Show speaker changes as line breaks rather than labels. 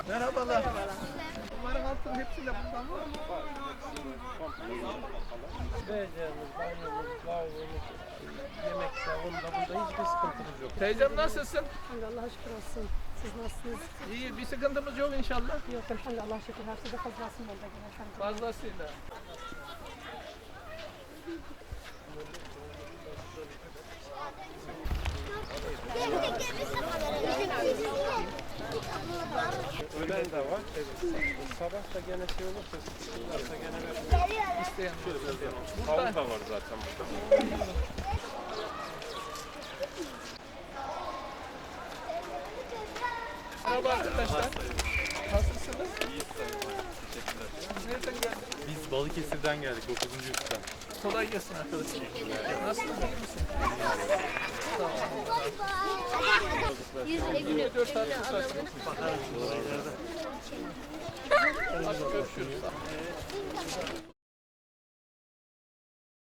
Merhabalar. Bunların altının hepsinde bundan var mı?
Becerimiz, banyomuz, lavabomuz, yemek salonunda bunda hiçbir sıkıntımız yok.
Teyzem nasılsın?
Allah'a şükür olsun. Siz nasılsınız?
İyi, bir sıkıntımız yok inşallah.
Yok elhamdülillah Allah'a şükür. Her şeyde fazlasın oldu.
Fazlasıyla.
Öğlen de var. Sabah da gene şey olursa, sıkıntıysa gene verin.
İsteyen.
Tavuk da var zaten burada.
Merhaba arkadaşlar. Nasılsınız?
İyiyiz sayın. Teşekkürler.
Nereden geldiniz?
Biz Balıkesir'den geldik 9. üstten.
Kolay gelsin arkadaşlar. Nasılsınız? İyi misin? Tamam. 24 saat tutarsınız. Hadi görüşürüz.